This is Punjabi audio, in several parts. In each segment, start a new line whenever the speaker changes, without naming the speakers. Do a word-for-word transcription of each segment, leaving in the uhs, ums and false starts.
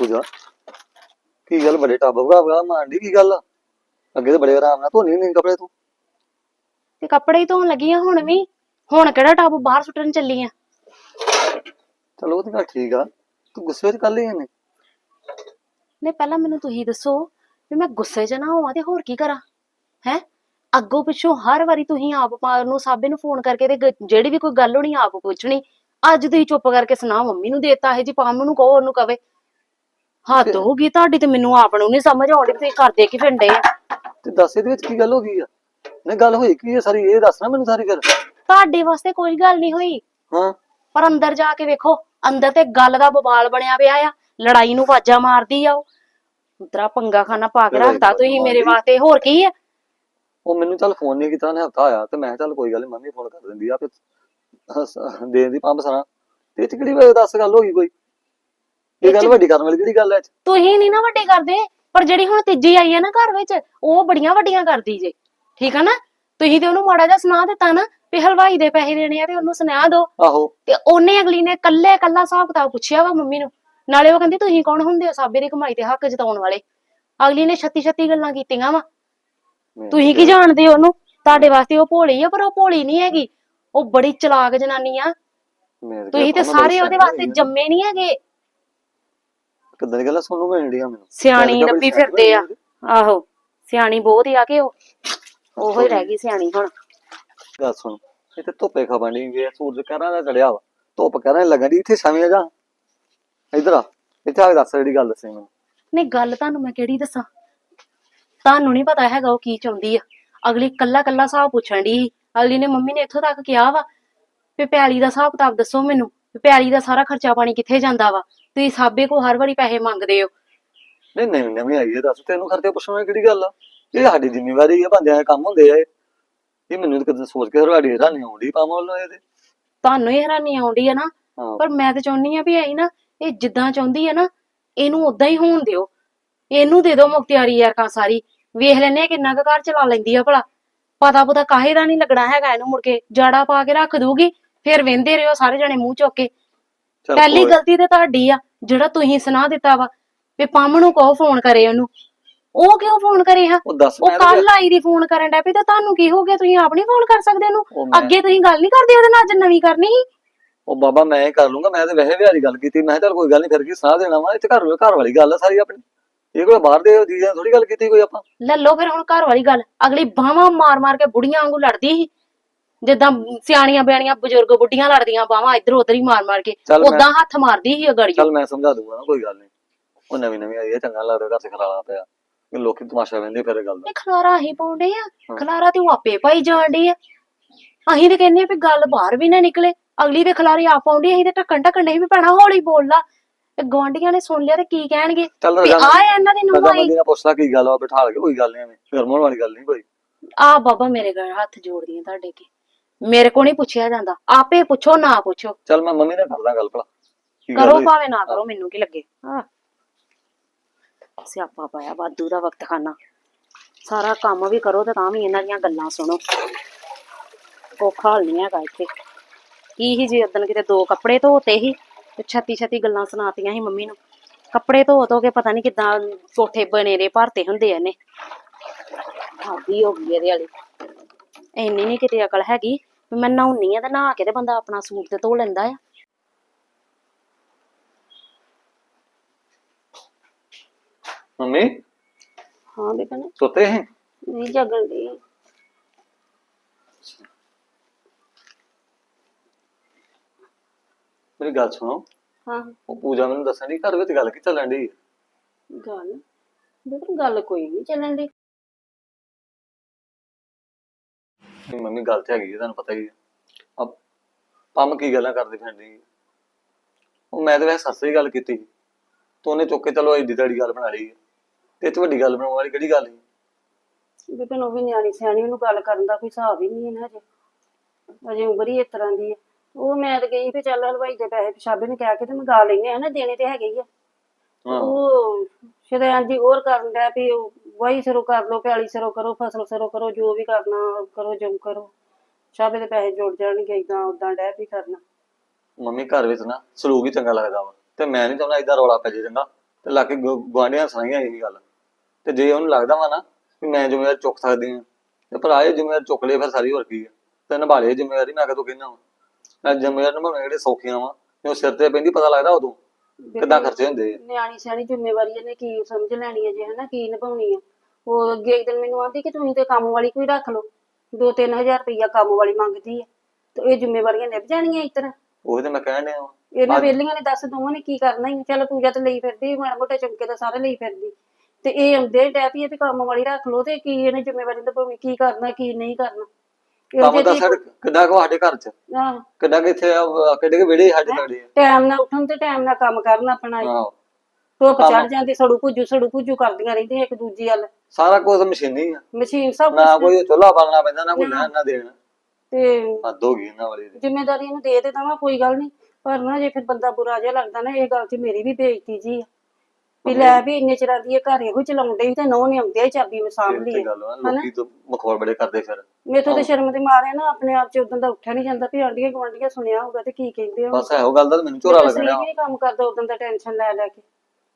ਪੂਜਾ ਕੀ ਗੱਲ ਬੜੇ ਟੱਬ ਵਗਾ ਵਗਾ ਮਾਰਦੀ ਕੀ ਗੱਲ ਆ? ਅੱਗੇ ਤਾਂ ਬੜੇ ਆਰਾਮ ਨਾਲ ਧੋਣੀ ਨਹੀਂ ਕੱਪੜੇ ਤੂੰ।
ਤੇ ਕੱਪੜੇ ਹੀ ਧੋਣ ਲੱਗੀ ਆ ਹੁਣ ਵੀ। ਹੁਣ ਕਿਹੜਾ ਟੱਬ ਬਾਹਰ ਸੁੱਟਣ ਚੱਲੀ ਆ?
ਚਲੋ ਉਹ ਤਾਂ ਗੱਲ ਠੀਕ ਆ, ਤੂੰ ਗੁੱਸੇ ਵਿੱਚ ਕਰ ਲਈ ਇਹਨੇ।
ਨਹੀਂ ਪਹਿਲਾਂ ਮੈਨੂੰ ਤੁਸੀਂ ਦੱਸੋ ਵੀ ਮੈਂ ਗੁੱਸੇ 'ਚ ਨਾ ਹੋਵਾਂ ਤੇ ਹੋਰ ਕੀ ਕਰਾਂ ਹੈ? ਅੱਗੋਂ ਪਿੱਛੋਂ ਹਰ ਵਾਰੀ ਤੁਸੀਂ ਆਪ ਨੂੰ ਸਾਬੇ ਨੂੰ ਫੋਨ ਕਰਕੇ ਤੇ ਗ- ਜਿਹੜੀ ਵੀ ਕੋਈ ਗੱਲ ਹੋਣੀ ਆਪ ਪੁੱਛਣੀ। ਅੱਜ ਤੁਸੀਂ ਚੁੱਪ ਕਰਕੇ ਸੁਣਾ ਮੰਮੀ ਨੂੰ ਦੇਤਾ ਇਹ ਜੀ ਪਾਮ ਨੂੰ ਕਹੋ ਉਹਨੂੰ ਕਵੇ। ਹੱਦ ਹੋ ਗਈ ਤੁਹਾਡੀ ਤੇ ਮੈਨੂੰ ਆਪ ਨੂੰ ਨੀ ਸਮਝ ਆਉਂਦੀ ਤੁਸੀਂ ਕਰਦੇ ਕੀ ਫਿਰਦੇ ਆ।
ਤੇ ਦੱਸ ਇਹਦੇ ਵਿੱਚ ਕੀ ਗੱਲ ਹੋ ਗਈ ਆ? ਨਹੀਂ ਗੱਲ ਹੋਈ ਕੀ ਆ ਸਾਰੀ, ਇਹ ਦੱਸ ਨਾ ਮੈਨੂੰ ਸਾਰੀ ਫਿਰ।
ਤੁਹਾਡੇ ਵਾਸਤੇ ਕੋਈ ਗੱਲ ਨਹੀਂ ਹੋਈ,
ਹਾਂ
ਪਰ ਅੰਦਰ ਜਾ ਕੇ ਵੇਖੋ, ਅੰਦਰ ਤੇ ਗੱਲ ਦਾ ਬਵਾਲ ਬਣਿਆ ਪਿਆ ਆ। ਲੜਾਈ ਨੂੰ ਆਵਾਜ਼ਾਂ ਮਾਰਦੀ ਆ ਉਹ। ਉਤਰਾ ਪੰਗਾ ਖਾਨਾ ਪਾ ਕੇ
ਲੜਾਈ
ਰੱਖਤਾ
ਨੂੰ
ਤੁਸੀਂ ਮੇਰੇ
ਮਾਰਦੀ।
ਵਾਸਤੇ, ਹੋਰ ਕੀ ਆ?
ਉਹ ਮੈਨੂੰ ਚੱਲ ਫੋਨ ਨਹੀਂ ਕੀਤਾ, ਉਹਨੇ ਹਫਤਾ ਆਇਆ ਤੇ ਮੈਂ ਕਿਹਾ ਚੱਲ ਕੋਈ ਗੱਲ ਨੀ, ਮੰਮੀ ਫੋਨ ਕਰ ਦਿੰਦੀ ਆ ਫਿਰ ਦੇ ਦੀ ਪੰਪ ਸਾਰਾ। ਤੇ ਇਹ ਚ ਕਿਹੜੀ ਵੇ ਦੱਸ ਗੱਲ ਹੋ ਗਈ ਕੋਈ? ਇਹ ਗੱਲ ਵੱਡੀ ਕਰਨ ਵਾਲੀ ਕਿਹੜੀ ਗੱਲ ਐ?
ਤੁਸੀਂ ਨੀ ਨਾ ਵੱਡੇ ਕਰਦੇ, ਪਰ ਜਿਹੜੀ ਹੁਣ ਤੀਜੀ ਆਈ ਆ ਨਾ ਘਰ ਵਿੱਚ, ਉਹ ਬੜੀਆਂ ਵੱਡੀਆਂ ਕਰਦੀ ਜੇ। ਠੀਕ ਆ ਨਾ? ਤੁਸੀਂ ਤੇ ਉਹਨੂੰ ਮਾੜਾ ਜਿਹਾ ਸੁਣਾ ਦਿੱਤਾ ਨਾ ਵੀ ਹਲਵਾਈ ਦੇ ਪੈਸੇ ਦੇਣੇ ਆ ਤੇ ਉਹਨੂੰ ਸੁਣਾ ਦੋ।
ਆਹੋ
ਤੇ ਉਹਨੇ ਅਗਲੀ ਨੇ ਕੱਲੇ ਕੱਲਾ ਹਿਸਾਬ ਕਿਤਾਬ ਪੁੱਛਿਆ ਵਾ ਮੰਮੀ ਨੂੰ। ਨਾਲੇ ਉਹ ਕਹਿੰਦੀ ਤੁਸੀਂ ਕੌਣ ਹੁੰਦੇ ਹੋ ਸਾਬੇ ਦੀ ਕਮਾਈ ਤੇ ਹੱਕ ਜਤਾਉਣ ਵਾਲੇ? ਅਗਲੀ ਨੇ ਛੱਤੀ ਛੱਤੀ ਗੱਲਾਂ ਕੀਤੀਆਂ ਵਾ। ਤੁਸੀਂ ਕੀ ਜਾਣਦੇ ਹੋ ਉਹਨੂੰ? ਤੁਹਾਡੇ ਵਾਸਤੇ ਉਹ ਭੋਲੀ ਆ, ਪਰ ਉਹ ਭੋਲੀ ਨਹੀਂ ਹੈਗੀ, ਉਹ ਬੜੀ ਚਲਾਕ ਜਨਾਨੀ ਆ। ਤੁਸੀਂ ਤੇ ਸਾਰੇ ਉਹਦੇ ਵਾਸਤੇ ਜੰਮੇ ਨਹੀਂ ਹੈਗੇ।
ਕਿੱਦਾਂ ਦੀ ਗੱਲਾਂ ਸੁਣਨ ਨੂੰ ਮਿਲਣ ਡੀਆਂ ਮੈਨੂੰ?
ਸਿਆਣੀ ਲੱਭੀ ਫਿਰਦੇ ਆ। ਆਹੋ ਸਿਆਣੀ ਬਹੁਤ ਆ ਕਿ ਉਹ ਉਹੋ ਹੀ ਰਹਿ ਗਈ ਸਿਆਣੀ ਹੁਣ।
ਗੱਲ ਸੁਣ, ਇੱਥੇ ਧੁੱਪੇ ਖਪਣ ਡੀ ਗਏ, ਸੂਰਜ ਕਹਿਰਾਂ ਦਾ ਚੜਿਆ ਵਾ, ਧੁੱਪ ਕਹਿਰਾਂ ਲੱਗਣ ਦੀ, ਇੱਥੇ ਛਾਵੇਂ ਆ ਜਾ। ਇੱਧਰ ਆ, ਇੱਥੇ ਆ ਕੇ ਦੱਸ ਜਿਹੜੀ ਗੱਲ ਦੱਸੀ ਮੈਨੂੰ।
ਨਹੀਂ ਗੱਲ ਤੁਹਾਨੂੰ ਮੈਂ ਕਿਹੜੀ ਦੱਸਾਂ? ਤੁਹਾਨੂੰ ਨੀ ਪਤਾ ਹੈਗਾ ਉਹ ਕੀ ਚਾਹੁੰਦੀ ਆ। ਅਗਲੀ ਕੱਲਾ ਕੱਲਾ ਹਿਸਾਬ ਪੁੱਛਣ ਦੀ। ਅਗਲੀ ਨੇ ਮੰਮੀ ਨੇ ਇੱਥੋਂ ਤੱਕ ਕਿਹਾ ਵਾ ਵੀ ਪੈਲੀ ਦਾ ਹਿਸਾਬ ਕਿਤਾਬ ਦੱਸੋ ਮੈਨੂੰ, ਵੀ ਪੈਲੀ ਦਾ ਸਾਰਾ ਖਰਚਾ ਪਾਣੀ ਕਿੱਥੇ ਜਾਂਦਾ ਵਾ? ਤੁਸੀਂ ਸਾਬੇ ਕੋ ਹਰ ਵਾਰੀ ਪੈਸੇ ਮੰਗਦੇ ਹੋ।
ਨਹੀਂ ਨਵੀਂ ਨਵੀਂ ਆਈ ਹੈ, ਦੱਸ ਤੈਨੂੰ ਖਰਚੇ ਪੁੱਛਣ ਵਾਲੀ ਕਿਹੜੀ ਗੱਲ ਆ? ਇਹ ਸਾਡੀ ਜ਼ਿੰਮੇਵਾਰੀ ਆ, ਬੰਦਿਆਂ ਦੇ ਕੰਮ ਹੁੰਦੇ ਆ ਇਹ। ਇਹ ਮੈਨੂੰ ਤਾਂ ਕਦੇ ਸੋਚ ਕੇ ਤੁਹਾਡੀ ਹੈਰਾਨੀ ਆਉਂਦੀ ਪਾਵਾਂ ਵੱਲੋਂ ਇਹਦੇ।
ਤੁਹਾਨੂੰ ਹੀ ਹੈਰਾਨੀ ਆਉਂਦੀ ਆ ਨਾ, ਪਰ ਮੈਂ ਤੇ ਚਾਹੁੰਦੀ ਆ ਵੀ ਆਈ ਨਾ ਇਹ ਜਿੱਦਾਂ ਚਾਹੁੰਦੀ ਆ ਨਾ ਇਹਨੂੰ ਓਦਾਂ ਹੀ ਹੋਣ ਦਿਓ। ਇਹਨੂੰ ਦੇ ਦਿਓ ਮੁਖਤਿਆਰੀ ਯਾਰ ਸਾਰੀ। ਵੇਖ ਲੈਨੇ ਕਿੰਨਾ ਕੁ ਘਰ ਚਲਾ ਲੈਂਦੀ ਆ ਭਲਾ। ਪਤਾ ਪਤਾ ਕਾਹੇ ਦਾ ਨੀ ਲੱਗਣਾ ਹੈਗਾ ਇਹਨੂੰ। ਮੁੜ ਕੇ ਜਾੜਾ ਪਾ ਕੇ ਰੱਖ ਦੂਗੀ, ਫਿਰ ਵਹਿੰਦੇ ਰਹੋ ਸਾਰੇ ਜਣੇ ਮੂੰਹ ਚੁੱਕ ਕੇ। ਪਹਿਲੀ ਗਲਤੀ ਤੇ ਤੁਹਾਡੀ ਆ, ਜਿਹੜਾ ਤੁਸੀਂ ਸੁਣਾ ਦਿੱਤਾ ਵਾ ਵੀ ਪੰਮ ਨੂੰ ਕਹੋ ਫੋਨ ਕਰੇ ਉਹਨੂੰ। ਉਹ ਕਿਉਂ ਫੋਨ ਕਰੇ? ਹਾਂ ਉਹ ਕੱਲ ਆਈ ਦੀ ਫੋਨ ਕਰਨ ਡੈ ਪਈ, ਤੇ ਤੁਹਾਨੂੰ ਕੀ ਹੋ ਗਿਆ? ਤੁਸੀਂ ਆਪ ਨੀ ਫੋਨ ਕਰ ਸਕਦੇ ਉਹਨੂੰ? ਅੱਗੇ ਤੁਸੀਂ ਗੱਲ ਨੀ ਕਰਦੇ ਉਹਦੇ ਨਾਲ, ਅੱਜ ਨਵੀਂ ਕਰਨੀ ਸੀ।
ਉਹ ਬਾਬਾ ਮੈਂ ਕਰ ਲੂੰਗਾ, ਮੈਂ ਤੇ ਵੈਸੇ ਵਿਹਾਰੀ ਗੱਲ ਕੀਤੀ। ਮੈਂ ਚੱਲ ਕੋਈ ਗੱਲ ਨੀ, ਫਿਰ ਕੀ ਸਾਹ ਦੇਣਾ ਵਾ? ਇੱਥੇ ਘਰ ਘਰ ਵਾਲੀ ਗੱਲ ਆ ਸਾਰੀ ਆਪਣੀ। ਇਹ ਕੋਈ ਬਾਹਰ ਦੇ ਜੀਆਂ ਥੋੜੀ ਗੱਲ ਕੀਤੀ ਕੋਈ ਆਪਾਂ। ਲੈ
ਲੋ ਫਿਰ ਹੁਣ ਘਰ ਵਾਲੀ ਗੱਲ। ਅਗਲੀ ਬਾਹਾਂ ਮਾਰ ਮਾਰ ਕੇ ਬੁੜੀਆਂ ਵਾਂਗੂ ਲੜਦੀ ਸੀ, ਜਿੱਦਾਂ ਸਿਆਣੀਆਂ ਬਿਆਣੀਆਂ ਬਜ਼ੁਰਗ ਬੁੱਢੀਆਂ ਲੜਦੀਆਂ, ਬਾਹਾਂ ਇੱਧਰ ਉੱਧਰ ਹੀ ਮਾਰ ਮਾਰ ਕੇ ਓਦਾਂ ਹੱਥ ਮਾਰਦੀ ਸੀ ਅਗੜੀਓ।
ਚੱਲ ਮੈਂ ਸਮਝਾ ਦੂੰਗਾ ਨਾ, ਕੋਈ ਗੱਲ ਨੀ। ਉਹ ਨਵੀਂ ਨਵੀਂ ਆਈ ਹੈ, ਚੰਗਾ ਲੱਗਦਾ ਘਰ ਚ ਖਲਾਰਾ ਪਿਆ, ਲੋਕੀ ਤਮਾਸ਼ਾ ਵਹਿੰਦੇ ਫਿਰ ਗੱਲ ਦਾ।
ਖਲਾਰਾ ਅਸੀਂ ਪਾਉਂਦੇ ਆ? ਖਲਾਰਾ ਤੇ ਉਹ ਆਪੇ ਪਾਈ ਜਾਣ ਡਈ ਆ। ਅਸੀਂ ਤੇ ਕਹਿੰਦੇ ਆ ਵੀ ਗੱਲ ਬਾਹਰ ਵੀ ਨਾ ਨਿਕਲੇ। ਅਗਲੀ ਦੇ ਖਲਾਰੇ ਆਪ ਪਾਉਂਦੀ, ਅਸੀਂ ਤੇ ਢੱਕਣ ਢੱਕਣ ਨਹੀਂ ਵੀ ਭੈਣਾ ਹੌਲੀ ਬੋਲ ਲਾ, ਗੁਆਂਢੀਆਂ ਨੇ ਸੁਣ ਲਿਆ ਤੇ ਕੀ ਕਹਿਣਗੇ? ਆ ਇਹਨਾਂ ਦੀ ਨੂੰਹ ਆਈ।
ਪੁੱਛਦਾ ਕੀ ਗੱਲ ਆ, ਬਿਠਾ ਕੇ ਕੋਈ ਗੱਲ ਨੀ, ਐਵੇਂ ਗਰਮ ਹੋਣ ਵਾਲੀ ਗੱਲ ਨੀ ਕੋਈ।
ਆ ਬਾਬਾ ਮੇਰੇ ਘਰ ਹੱਥ ਜੋੜਦੀ ਆ ਤੁਹਾਡੇ ਕੇ, ਮੇਰੇ ਕੋ ਨੀ ਪੁੱਛਿਆ ਜਾਂਦਾ, ਆਪੇ ਪੁੱਛੋ ਨਾ ਪੁੱਛੋ।
ਚੱਲ ਮੈਂ ਮੰਮੀ ਨਾਲ ਕਰਦਾ ਗੱਲ, ਭਲਾ
ਕਰੋ ਭਾਵੇਂ ਨਾ ਕਰੋ, ਮੈਨੂੰ ਕੀ ਲੱਗੇ। ਹਾਂ ਸਿਆਪਾ ਪਾਇਆ ਵਾਧੂ ਦਾ ਵਕਤ ਖਾਨਾ। ਸਾਰਾ ਕੰਮ ਵੀ ਕਰੋ ਤੇ ਤਾਂ ਵੀ ਇਹਨਾਂ ਦੀਆਂ ਗੱਲਾਂ ਸੁਣੋ। ਔਖਾ ਹਾਲ ਨੀ ਹੈਗਾ ਇੱਥੇ। ਕੀ ਹੀ ਜੇ ਉਦਣ ਕਿਤੇ ਦੋ ਕੱਪੜੇ ਧੋਤੇ ਸੀ ਤੇ ਛੱਤੀ ਛੱਤੀ ਗੱਲਾਂ ਸੁਣਾਤੀਆਂ ਸੀ ਮੰਮੀ ਨੂੰ। ਕੱਪੜੇ ਧੋ ਧੋ ਕੇ ਪਤਾ ਨੀ ਕਿੱਦਾਂ ਕੋਠੇ ਬਨੇਰੇ ਭਰਤੇ ਹੁੰਦੇ ਆ ਇਹਨੇ। ਹਾਦੀ ਹੋ ਗਈ ਇਹਦੇ ਵਾਲੀ। ਇੰਨੀ ਨੀ ਕਿਤੇ ਅਕਲ ਹੈਗੀ ਵੀ ਮੈਂ ਨਹਾਉਣੀ ਆ ਤੇ ਨਹਾ ਕੇ ਤੇ ਬੰਦਾ ਆਪਣਾ ਸੂਟ ਤੇ ਧੋ ਲੈਂਦਾ ਆ।
ਮੰਮੀ
ਹਾਂ ਬੇਟਾ
ਸੁੱਤੇ ਹੈ?
ਨਹੀਂ ਜਾਗਣ ਦੀ।
ਮੇਰੀ ਗੱਲ ਸੁਣੋ।
ਹਾਂ
ਉਹ ਪੂਜਾ ਮੈਨੂੰ ਦੱਸਣ ਦੀ ਘਰ ਵਿੱਚ ਗੱਲ ਕੀ ਚੱਲਣ ਦੀ?
ਗੱਲ ਬੇਟਾ ਗੱਲ ਕੋਈ ਨਹੀਂ ਚੱਲਣ ਦੀ।
ਮੰਮੀ ਗੱਲ ਤੇ ਹੈਗੀ, ਤੁਹਾਨੂੰ ਪਤਾ ਹੀ ਹੈ। ਪੰਮ ਕੀ ਗੱਲਾਂ ਕਰਦੀ ਫਿਰਦੀ। ਉਹ ਮੈਂ ਤੇ ਵੈਸੇ ਸੱਸ ਦੀ ਗੱਲ ਕੀਤੀ ਸੀ, ਤੇ ਉਹਨੇ ਚੁੱਕ ਕੇ ਚਲੋ ਏਡੀ ਤੇੜੀ ਗੱਲ ਬਣਾ ਲਈ। ਤੇ ਇਹ ਚ ਵੱਡੀ ਗੱਲ ਬਣਾਉਣ ਵਾਲੀ ਕਿਹੜੀ ਗੱਲ ਸੀ?
ਬੇਟਾ ਉਹ ਵੀ ਨਿਆਣੀ ਸਿਆਣੀ, ਉਹਨੂੰ ਗੱਲ ਕਰਨ ਦਾ ਕੋਈ ਹਿਸਾਬ ਹੀ ਨਹੀਂ ਹੈ। ਹਜੇ ਅਜੇ ਉਮਰ ਹੀ ਇਸ ਤਰ੍ਹਾਂ ਦੀ ਹੈ। ਉਹ ਮੈਂ ਤੇ ਗਈ ਵੀ ਚੱਲ ਹਲਵਾਈ ਦੇ ਪੈਸੇ ਪਿਸ਼ਾਬੇ ਨੂੰ ਕਹਿ ਕੇ ਤੇ ਮੰਗਾ ਲੈਨੇ ਆ ਨਾ, ਦੇਣੇ ਤੇ ਹੈਗੇ ਹੀ ਆ। ਉਹ ਸ਼ਰੇਆਮ ਜੀ ਹੋਰ ਕਰਨ ਡਿਆ ਵੀ ਵਾਹੀ ਸਿਰੋਂ ਕਰ ਲੋ, ਪਿਆਲੀ ਸਿਰੋਂ ਕਰੋ, ਫਸਲ ਸਿਰੋਂ ਕਰੋ, ਜੋ ਵੀ ਕਰਨਾ ਕਰੋ, ਜੋ ਕਰੋ, ਸ਼ਾਬੇ ਦੇ ਪੈਸੇ ਜੁੜ ਜਾਣਗੇ। ਏਦਾਂ ਓਦਾਂ ਡਹਿ ਵੀ ਕਰਨਾ।
ਮੰਮੀ ਘਰ ਵਿੱਚ ਨਾ ਸਲੂਕ ਹੀ ਚੰਗਾ ਲੱਗਦਾ ਵਾ, ਤੇ ਮੈਂ ਨੀ ਚਾਹੁੰਦਾ ਏਦਾਂ ਰੌਲਾ ਪੈ ਜੇ। ਚੰਗਾ ਤੇ ਲਾ ਕੇ ਗੁਆਂਢੀਆਂ ਸੁਣਾਈਆਂ ਇਹੀ ਗੱਲ। ਤੇ ਜੇ ਉਹਨੂੰ ਲੱਗਦਾ ਵਾ ਨਾ ਵੀ ਮੈਂ ਜ਼ਿੰਮੇਵਾਰੀ ਚੁੱਕ ਸਕਦੀ ਹਾਂ ਤੇ ਭਰਾ ਇਹ ਜ਼ਿੰਮੇਵਾਰੀ ਚੁੱਕ ਲਏ ਫਿਰ ਸਾਰੀ, ਹੋਰ ਕੀ ਆ। ਤੇ ਨਿਭਾ ਲਏ ਜ਼ਿੰਮੇਵਾਰੀ, ਮੈਂ ਕਦੋਂ ਕਹਿੰਦਾ ਵਾ। ਮੈਂ ਜ਼ਿੰਮੇਵਾਰੀ ਨਿਭਾਉਣੇ ਜਿਹੜੇ ਸੌਖੀਆਂ ਵਾ, ਉਹ ਸਿਰ ਤੇ ਪੈਂਦੀ ਪਤਾ ਲੱਗਦਾ ਉਦੋਂ ਕਿੱਦਾਂ ਖਰਚੇ ਹੁੰਦੇ ਆ।
ਨਿਆਣੀ ਸਿਆਣੀ ਜ਼ਿੰਮੇਵਾਰੀ ਇਹਨੇ ਕੀ ਸਮਝ ਲੈਣੀ ਹੈ ਜੇ, ਹਨਾ ਕੀ ਨਿਭਾਉਣੀ ਆ। ਉਹ ਅੱਗੇ ਇੱਕ ਦਿਨ ਮੈਨੂੰ ਆਂਦੀ ਕਿ ਤੁਸੀਂ ਤੇ ਕੰਮ ਵਾਲੀ ਕੋਈ ਰੱਖ ਲਓ, ਦੋ ਤਿੰਨ ਹਜ਼ਾਰ ਰੁਪਈਆ ਕੰਮ ਵਾਲੀ ਮੰਗਦੀ ਹੈ ਤੇ ਇਹ ਜ਼ਿੰਮੇਵਾਰੀਆਂ ਨਿਭ ਜਾਣੀਆਂ ਇਸ ਤਰ੍ਹਾਂ।
ਉਹੀ ਤੇ ਮੈਂ ਕਹਿਣ ਡਿਆ ਵਾਂ।
ਇਹਨਾਂ ਵੇਲੀਆਂ ਨੇ ਦੱਸ ਦੋਵਾਂ ਨੇ ਕੀ ਕਰਨਾ ਹੀ। ਚੱਲ ਪੂਜਾ ਤੇ ਲਈ ਫਿਰਦੀ, ਮਾੜਾ ਮੋਟੇ ਚਮਕੇ ਤਾਂ ਸਾਰੇ ਲਈ ਫਿਰਦੀ, ਤੇ ਇਹ ਆਉਂਦੇ ਡੈ ਪਈ ਤੇ ਕੰਮ ਵਾਲੀ ਰੱਖ ਲਓ ਤੇ ਕੀ ਇਹਨੇ ਜ਼ਿੰਮੇਵਾਰੀ ਨਿਭਾਉਣੀ, ਕੀ ਕਰਨਾ ਕੀ ਨਹੀਂ ਕਰਨਾ।
ਕੰਮ ਤਾਂ ਸਾਡੇ ਕਿੱਡਾ ਕੁ ਸਾਡੇ ਘਰ ਚ,
ਆਹ
ਕਿੱਡਾ ਕਿ ਇੱਥੇ ਕਿੱਡੇ ਕੁ ਵਿਹੜੇ ਸਾਡੇ ਸਾਡੇ ਆ।
ਟਾਈਮ ਨਾਲ ਉੱਠਣ ਤੇ ਟਾਈਮ ਨਾਲ ਕੰਮ ਕਰਨ ਆਪਣਾ।
ਆਹੋ
ਧੁੱਪ ਚੜ ਜਾਂਦੀ, ਸੜੂ ਭੁੱਜੂ ਸੜੂ ਭੁੱਜੂ ਕਰਦੀਆਂ ਰਹਿੰਦੀਆਂ ਇੱਕ ਦੂਜੀ ਵੱਲ।
ਸਾਰਾ ਕੁਝ ਮਸ਼ੀਨੀ ਆ,
ਮਸ਼ੀਨ ਸਭ
ਨਾ
ਕੁਛ।
ਕੋਈ ਚੁੱਲ੍ਹਾ ਬਾਲਣਾ ਪੈਂਦਾ, ਨਾ ਕੋਈ ਲੈਣ ਨਾ ਦੇਣ।
ਤੇ
ਹੱਦ ਹੋ ਗਈ ਇਹਨਾਂ ਵਾਲੀ ਦੀ।
ਜ਼ਿੰਮੇਦਾਰੀ ਇਹਨੂੰ ਦੇ ਦੇ ਦਵਾਂ ਕੋਈ ਗੱਲ ਨਹੀਂ, ਪਰ ਨਾ ਜੇ ਫਿਰ ਬੰਦਾ ਬੁਰਾ ਜਿਹਾ ਲੱਗਦਾ ਨਾ, ਇਹ ਗੱਲ 'ਚ ਮੇਰੀ ਵੀ ਬੇਇੱਜ਼ਤੀ ਜੀ ਆ ਵੀ ਲੈ ਵੀ ਇੰਨੇ ਚਿਰਾਂ ਦੀ ਇਹ ਘਰ ਇਹੋ ਚਲਾਉਣ ਡਈ ਤੇ ਨਹੁੰ ਨੇ ਆਉਂਦਿਆਂ ਹੀ ਚਾਬੀ ਸਾਂਭ ਲਈ ਹੈ।
ਲੋਕੀ ਤਾਂ ਮਖੌਲ ਬੜੇ ਕਰਦੇ ਫਿਰ।
ਮੇਥੋਂ ਤੇ ਸ਼ਰਮ ਦੇ ਮਾਰੇ ਨਾ ਆਪਣੇ ਆਪ 'ਚ ਉਦੋਂ ਦਾ ਉੱਠਿਆ ਨਹੀਂ ਜਾਂਦਾ ਵੀ ਆਂਢੀਆਂ ਗੁਆਂਢੀਆਂ ਸੁਣਿਆ ਹੋਊਗਾ ਤੇ ਕੀ ਕਹਿੰਦੇ ਹੋ।
ਬਸ ਇਹੋ ਗੱਲ ਦਾ ਮੈਨੂੰ ਝੋਰਾ ਲੱਗਣਾ।
ਨਹੀਂ ਕੰਮ ਕਰਦਾ ਉਦੋਂ ਦਾ ਟੈਨਸ਼ਨ ਲੈ ਲੈ ਕੇ।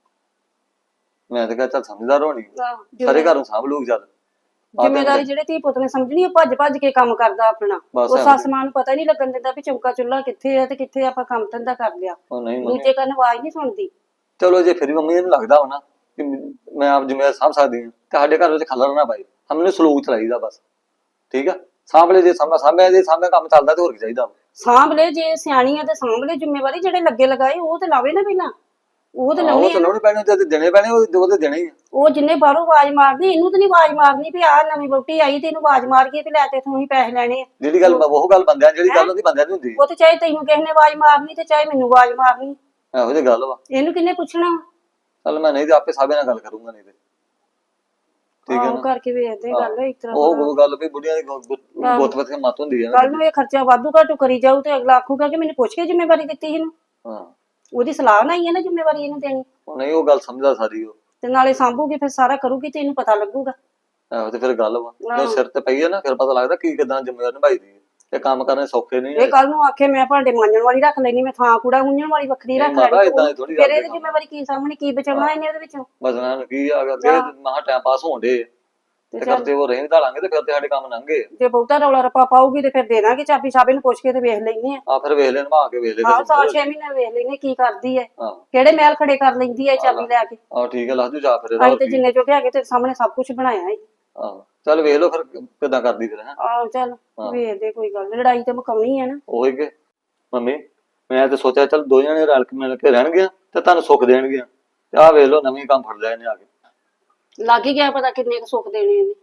ਮੈਂ ਤਾਂ ਕਿਹਾ ਚੱਲ ਸਮਝਦਾਰ ਹੋਣੀ, ਸਾਰੇ ਘਰੋਂ ਸਾਂਭ ਲੂਗ ਚੱਲ।
ਜ਼ਿੰਮੇਦਾਰੀ ਜਿਹੜੇ ਧੀ ਪੁੱਤ ਨੇ ਸਮਝਣੀ, ਉਹ ਭੱਜ ਭੱਜ ਕੇ ਕੰਮ ਕਰਦਾ ਆਪਣਾ। ਉਹ ਸੱਸ ਮਾਂ ਨੂੰ ਪਤਾ ਨਹੀਂ ਲੱਗਣ ਦਿੰਦਾ ਵੀ ਚੌਂਕਾ ਚੁੱਲ੍ਹਾ ਕਿੱਥੇ ਆ ਤੇ ਕਿੱਥੇ ਆਪਾਂ ਕੰਮ ਧੰਦਾ ਕਰ ਲਿਆ। ਦੂਜੇ ਕੰਨ ਆਵਾਜ਼ ਨਹੀਂ ਸੁਣਦੀ।
ਚਲੋ ਜੇ ਫਿਰ ਵੀ ਮੰਮੀ ਨੂੰ ਲੱਗਦਾ ਵਾ ਨਾ ਕਿ ਮੈਂ ਆਪ ਜ਼ਿੰਮੇਵਾਰ ਸਾਂਭ ਸਕਦੀ ਹਾਂ ਤੇ ਸਾਡੇ ਘਰ ਵਿੱਚ ਖਲਰ ਨਾ ਪਾਏ, ਸਾਨੂੰ ਸਲੂਕ ਚਲਾਈਦਾ ਬਸ। ਠੀਕ ਆ, ਸਾਂਭ ਲੈ ਜੇ ਸਾਂਭਾ ਸਾਂਭਿਆ, ਜੇ ਸਾਂਭਿਆ ਕੰਮ ਚੱਲਦਾ ਤੇ ਹੋਰ ਕੀ ਚਾਹੀਦਾ।
ਸਾਂਭ ਲੈ ਜੇ ਸਿਆਣੀ ਆ ਤੇ ਸਾਂਭ ਲੈ ਜ਼ਿੰਮੇਵਾਰੀ। ਜਿਹੜੇ ਲੱਗੇ ਲਗਾਏ ਉਹ ਤੇ ਲਾਵੇ ਨਾ ਪਹਿਲਾਂ, ਉਹ ਤੇ ਲਾਉਣੀ ਆ।
ਲਾਉਣੀ ਪੈਣੀ ਤੇ ਦੇਣੇ ਪੈਣੇ, ਉਹ ਤੇ ਦੇਣੇ ਹੀ ਆ।
ਉਹ ਜਿੰਨੇ ਬਾਹਰੋਂ ਆਵਾਜ਼ ਮਾਰਦੀ, ਇਹਨੂੰ ਤੇ ਨੀ ਆਵਾਜ਼ ਮਾਰਨੀ ਵੀ ਆਹ ਨਵੀਂ ਵਹੁਟੀ ਆਈ ਤੇ ਇਹਨੂੰ ਆਵਾਜ਼ ਮਾਰ ਕੇ ਤੇ ਲੈ ਤੇ ਤੂੰ ਹੀ ਪੈਸੇ ਲੈਣੇ ਆ।
ਜਿਹੜੀ ਗੱਲ ਉਹ ਗੱਲ ਬੰਦਿਆਂ, ਜਿਹੜੀ ਗੱਲ ਉਹਦੀ ਬੰਦਿਆਂ ਦੀ ਹੁੰਦੀ।
ਉਹ ਤੇ ਚਾਹੇ ਤੈਨੂੰ ਕਿਸੇ ਨੇ ਆਵਾਜ਼ ਮਾਰਨੀ ਤੇ ਚਾਹੇ ਮੈਨੂੰ ਆਵਾਜ਼ ਮਾਰਨੀ,
ਇਹੋ ਜਿਹੀ ਗੱਲ ਵਾ।
ਇਹਨੂੰ ਕਿੰਨੇ ਪੁੱਛਣਾ।
ਚੱਲ ਮੈਂ ਨਹੀਂ ਤੇ ਆਪੇ ਸਾਬੇ ਨਾਲ ਗੱਲ ਕਰੂੰਗਾ, ਨਹੀਂ ਤੇ ਠੀਕ ਹੈ ਨਾ
ਕਰਕੇ ਵੇਖਦੇ ਗੱਲ ਇਸ ਤਰ੍ਹਾਂ।
ਉਹ ਗੱਲ ਵੀ ਬੁੱਢੀਆਂ ਦੀ ਗੁੱਤ ਵਿੱਚ ਮੱਤ ਹੁੰਦੀ ਹੈ।
ਕੱਲ ਨੂੰ ਇਹ ਖਰਚਾ ਵਾਧੂ ਘਾਟੂ ਕਰੀ ਜਾਊ ਤੇ ਅਗਲਾ ਆਖੂਗਾ ਕਿ ਮੈਨੂੰ ਪੁੱਛ ਕੇ ਜ਼ਿੰਮੇਵਾਰੀ ਦਿੱਤੀ ਇਹਨੂੰ।
ਹਾਂ,
ਉਹਦੀ ਸਲਾਹ ਨਾਲ ਹੀ ਹੈ ਨਾ ਜ਼ਿੰਮੇਵਾਰੀ ਇਹਨੂੰ ਦੇਣੀ।
ਨਹੀਂ ਉਹ ਗੱਲ ਸਮਝਦਾ ਸਾਰੀ ਉਹ,
ਤੇ ਨਾਲੇ ਸਾਂਭੂਗੀ ਫਿਰ ਸਾਰਾ ਕਰੂਗੀ ਤੇ ਇਹਨੂੰ ਪਤਾ ਲੱਗੂਗਾ।
ਆਹੋ ਤੇ ਫਿਰ ਗੱਲ ਵਾ, ਜਦੋਂ ਸਿਰ ਤੇ ਪਈ ਹੈ ਨਾ ਫਿਰ ਪਤਾ ਲੱਗਦਾ ਕੀ ਕਿਦਾਂ ਜ਼ਿੰਮੇਵਾਰੀ ਨਿਭਾਈ ਦੀ ਹੈ। ਇਹ ਕੰਮ ਕਰਨੇ ਸੌਖੇ ਨਹੀਂ।
ਇਹ ਕੱਲ ਨੂੰ ਆਖੇ ਮੈਂ ਭਾਂਡੇ ਮਾਂਜਣ ਵਾਲੀ ਰੱਖ ਲੈਣੀ, ਮੈਂ ਥਾਂ ਕੂੜਾ ਹੁੰਜਣ ਵਾਲੀ ਵੱਖਰੀ ਰੱਖ ਲੈਣੀ, ਫਿਰ ਇਹਦੀ ਜ਼ਿੰਮੇਵਾਰੀ ਕੀ ਸਾਹਮਣੇ ਕੀ ਬਚਾਉਣਾ ਇਹਨੇ ਇਹਦੇ ਵਿੱਚੋਂ।
ਬਚਣਾ ਕੀ ਆ, ਅੱਗੇ ਮਹਾ ਟਾਈਮ ਪਾਸ ਹੋਣ ਦੇ ਤੇ ਕਰਦੇ ਉਹ ਰਹਿਣ ਢਾਲਾਂਗੇ ਤੇ ਫਿਰ ਤੇ ਸਾਡੇ ਕੰਮ ਲੰਘੇ।
ਜੇ ਬਹੁਤਾ ਰੌਲਾ ਰੱਪਾ ਪਾਊਗੀ ਤੇ ਫਿਰ ਦੇ ਦਾਂਗੇ ਚਾਬੀ, ਸਾਬੇ ਨੂੰ ਪੁੱਛ ਕੇ ਤੇ ਵੇਖ ਲੈਨੇ ਆ।
ਆ ਫਿਰ ਵੇਖ ਲੈਣ, ਨਵਾ ਕੇ ਵੇਖ ਲੈ।
ਆਹ ਸਾਲ ਛੇ ਮਹੀਨੇ ਵੇਖ ਲੈਨੇ ਕੀ ਕਰਦੀ ਐ, ਕਿਹੜੇ ਮਹਿਲ ਖੜੇ ਕਰ ਲੈਂਦੀ ਐ ਚਾਬੀ ਲੈ ਕੇ।
ਆਹ ਠੀਕ ਹੈ, ਲੱਗ ਜੂ ਜਾ ਫਿਰ।
ਅਸੀਂ ਤੇ ਜਿੰਨੇ ਚੋਕੇ ਹੈਗੇ ਤੇ ਸਾਹਮਣੇ ਸਭ ਕੁਝ ਬਣਾਇਆ ਹੈ।
ਆਹ ਚੱਲ ਵੇਖ ਲਓ ਫਿਰ ਕਿਦਾਂ ਕਰਦੀ ਫਿਰ।
ਆਹ ਚੱਲ ਵੇਖਦੇ, ਕੋਈ ਗੱਲ ਲੜਾਈ ਤੇ ਮੁਕਾਉਣੀ ਹੈ ਨਾ।
ਉਹੀ ਕਿ ਮੰਮੀ ਮੈਂ ਤੇ ਸੋਚਿਆ ਚੱਲ ਦੋ ਜਣੇ ਰਲ ਕੇ ਮਿਲ ਕੇ ਰਹਿਣਗੇ ਤੇ ਤੁਹਾਨੂੰ ਸੁੱਖ ਦੇਣਗੇ। ਤੇ ਆਹ ਵੇਖ ਲਓ ਨਵੀਂ ਕੰਮ ਫੜ ਲਿਆ ਇਹਨੇ ਆ ਕੇ।
ਲੱਗ ਹੀ ਗਿਆ ਪਤਾ ਕਿੰਨੇ ਕੁ ਸੁੱਖ ਦੇਣੇ ਇਹਨੇ।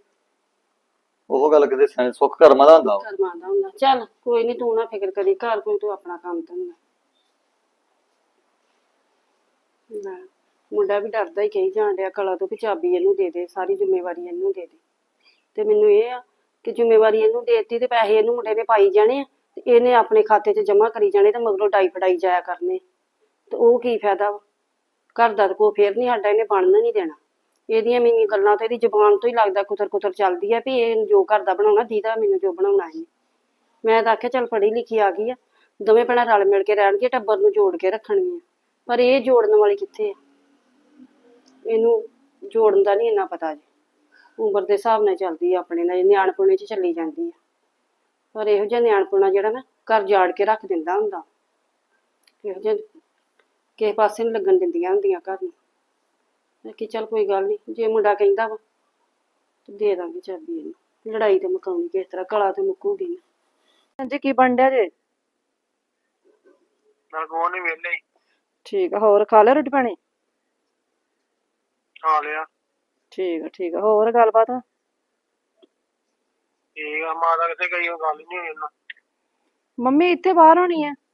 ਉਹ ਗੱਲ ਕਿਤੇ ਸੁੱਖ ਕਰਮਾਂ ਦਾ ਹੁੰਦਾ।
ਕਰਮਾਂ ਦਾ ਹੁੰਦਾ। ਚੱਲ ਕੋਈ ਨੀ, ਤੂੰ ਨਾ ਫਿਕਰ ਕਰੀ, ਘਰ ਕੋਈ ਤੂੰ ਆਪਣਾ ਕੰਮ ਧੰਦਾ। ਮੁੰਡਾ ਵੀ ਡਰਦਾ ਹੀ ਕਹੀ ਜਾਣ ਡਿਆ ਕਲਾ ਤੋਂ ਕਿ ਚਾਬੀ ਇਹਨੂੰ ਦੇ ਦੇ, ਸਾਰੀ ਜ਼ਿੰਮੇਵਾਰੀ ਇਹਨੂੰ ਦੇ ਦੇ। ਤੇ ਮੈਨੂੰ ਇਹ ਆ ਕਿ ਜ਼ਿੰਮੇਵਾਰੀ ਇਹਨੂੰ ਦੇਤੀ ਤੇ ਪੈਸੇ ਇਹਨੂੰ ਮੁੰਡੇ ਨੇ ਪਾਈ ਜਾਣੇ ਆ ਤੇ ਇਹਨੇ ਆਪਣੇ ਖਾਤੇ 'ਚ ਜਮਾ ਕਰੀ ਜਾਣੇ ਤੇ ਮਗਰੋਂ ਡਾਈ ਫੜਾਈ ਜਾਇਆ ਕਰਨੇ। ਤੇ ਉਹ ਕੀ ਫਾਇਦਾ ਵਾ, ਘਰ ਦਾ ਕੋ ਫੇਰ ਨੀ ਸਾਡਾ ਇਹਨੇ ਬਣਨ ਨਹੀਂ ਦੇਣਾ। ਇਹਦੀਆਂ ਮੈਨੂੰ ਗੱਲਾਂ ਤੇ ਇਹਦੀ ਜ਼ੁਬਾਨ ਤੋਂ ਹੀ ਲੱਗਦਾ ਕੁਤਰ ਕੁਤਰ ਚੱਲਦੀ ਆ ਵੀ ਇਹ ਜੋ ਘਰ ਦਾ ਬਣਾਉਣਾ ਦੀਦਾ ਮੈਨੂੰ ਜੋ ਬਣਾਉਣਾ ਹੈ। ਮੈਂ ਤਾਂ ਆਖਿਆ ਚੱਲ ਪੜ੍ਹੀ ਲਿਖੀ ਆ ਗਈ ਆ, ਦੋਵੇਂ ਭੈਣਾਂ ਰਲ ਮਿਲ ਕੇ ਰਹਿਣਗੇ, ਟੱਬਰ ਨੂੰ ਜੋੜ ਕੇ ਰੱਖਣਗੀਆਂ। ਪਰ ਇਹ ਜੋੜਨ ਵਾਲੀ ਕਿੱਥੇ ਆ, ਇਹਨੂੰ ਜੋੜਨ ਦਾ ਨਹੀਂ ਇੰਨਾ ਪਤਾ ਜੀ। ਉਮਰ ਦੇ ਹਿਸਾਬ ਨਾਲ ਚੱਲਦੀ ਆ, ਆਪਣੇ ਨਾਲ ਨਿਆਣਪੁਣੇ 'ਚ ਚੱਲੀ ਜਾਂਦੀ ਆ। ਪਰ ਇਹੋ ਜਿਹਾ ਨਿਆਣਪੁਣਾ ਜਿਹੜਾ ਨਾ ਘਰ ਜਾੜ ਕੇ ਰੱਖ ਦਿੰਦਾ ਹੁੰਦਾ। ਇਹੋ ਜਿਹਾ ਕਿਸੇ ਪਾਸੇ ਨਹੀਂ ਲੱਗਣ ਦਿੰਦੀਆਂ ਹੁੰਦੀਆਂ ਘਰ ਨੂੰ। ਮੈਂ ਕਿ ਚੱਲ ਕੋਈ ਗੱਲ ਨਹੀਂ, ਜੇ ਮੁੰਡਾ ਕਹਿੰਦਾ ਵਾ ਤੇ ਦੇ ਦਾਂਗੇ ਚਾਬੀ ਇਹਨੂੰ। ਲੜਾਈ ਤੇ ਮੁਕਾਉਣੀ ਕਿਸ ਤਰ੍ਹਾਂ, ਕਲਾ ਤੇ ਮੁੱਕੂਗੀ ਨਾ। ਹਾਂਜੀ ਕੀ ਬਣ ਡਿਆ ਜੇ?
ਮੈਂ ਕੋਹ ਨੀ ਵਿਹਲੇ।
ਠੀਕ ਆ, ਹੋਰ ਖਾ ਲਿਆ ਰੋਟੀ ਪਾਣੀ?
ਖਾ ਲਿਆ।
ਠੀਕ ਆ ਠੀਕ ਆ, ਹੋਰ ਗੱਲਬਾਤ?
ਠੀਕ ਆ, ਮਾਤਾ ਕਿੱਥੇ ਗਈ? ਉਹ ਗੱਲ ਨੀ ਹੋਈ ਉਹਨਾਂ।
ਮੰਮੀ ਇੱਥੇ ਬਾਹਰ ਹੋਣੀ ਆ।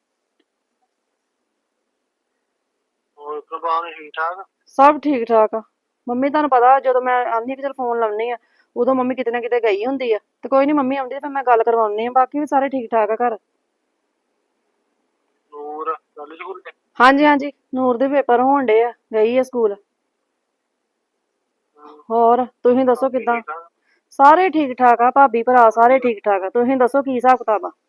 ਹੋਰ ਪ੍ਰਭਾਵ ਠੀਕ ਠਾਕ?
ਸਭ ਠੀਕ ਠਾਕ ਆ। ਮੰਮੀ ਤੁਹਾਨੂੰ ਪਤਾ ਜਦੋਂ ਮੈਂ ਆਂਦੀ ਵੀ ਚਲ ਫੋਨ ਲਾਉਣੀ ਆ ਉਦੋਂ ਮੰਮੀ ਕਿਤੇ ਨਾ ਕਿਤੇ ਗਈ ਹੁੰਦੀ ਆ। ਤੇ ਕੋਈ ਨੀ, ਮੰਮੀ ਆਉਂਦੀ ਤੇ ਫਿਰ ਮੈਂ ਗੱਲ ਕਰਵਾਉਣੀ ਆ। ਬਾਕੀ ਵੀ ਸਾਰੇ ਠੀਕ ਠਾਕ ਆ ਘਰ।
ਨੂਰ ਚੱਲ ਸਕੂਲ ਤੇ?
ਹਾਂਜੀ ਹਾਂਜੀ, ਨੂਰ ਦੇ ਪੇਪਰ ਹੋਣ ਡੇ ਆ, ਗਈ ਆ ਸਕੂਲ। ਹੋਰ ਤੁਸੀਂ ਦੱਸੋ ਕਿੱਦਾਂ? ਸਾਰੇ ਠੀਕ ਠਾਕ ਆ, ਭਾਬੀ ਭਰਾ ਸਾਰੇ ਠੀਕ ਠਾਕ ਆ। ਤੁਸੀਂ ਦੱਸੋ ਕੀ ਹਿਸਾਬ ਕਿਤਾਬ ਆ?